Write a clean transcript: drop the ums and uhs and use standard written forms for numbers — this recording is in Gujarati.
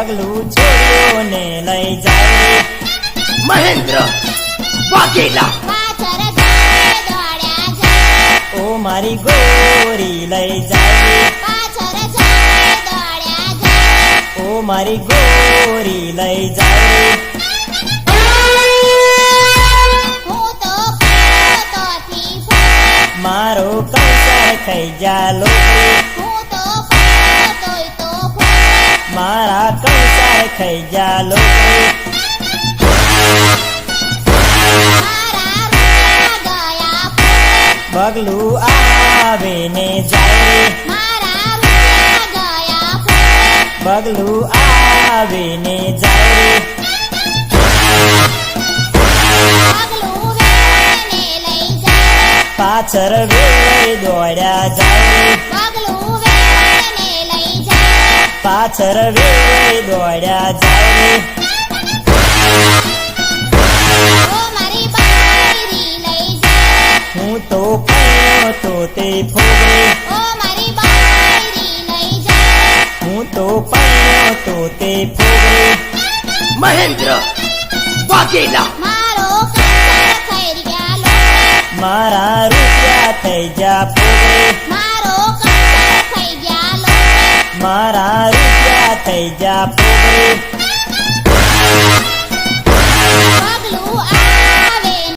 પગલું છોડીઓને લઈ જાય મહેન્દ્ર વાઘેલા પાછળ જાય દોડ્યા જાય ઓ મારી ગોરી લઈ જાય પાછળ જાય દોડ્યા જાય ઓ મારી ગોરી લઈ જાય હું તો તોથી ફરે મારો કંસાર થઈ જા લોટરી હું તો તોય તો ફરે મારા કંસાર થઈ જા લોટરી મારા રૂપિયા ગયા ફરે પગલું આવે ને જાય મારા રૂપિયા ગયા ફરે પગલું આવે ને જાય પગલું વેને લઈ જાય પાછળ વેળે દોડ્યા જાય પગલું વેને લઈ જાય પાછળ વેળે દોડ્યા જાય ઓ મારી બાયરી લઈ જાય હું તો કયો તો તે ફોગરે ઓ મારી બાયરી લઈ જાય હું તો કયો તો તે ફોગરે મહેન્દ્ર વાઘેલા મારો કંસાર થઈ ગયા લોટે મારા રૂપિયા થઈ જા ફોગરે મારો કંસાર થઈ ગયા લોટે મારા રૂપિયા થઈ જા ફોગરે પગલું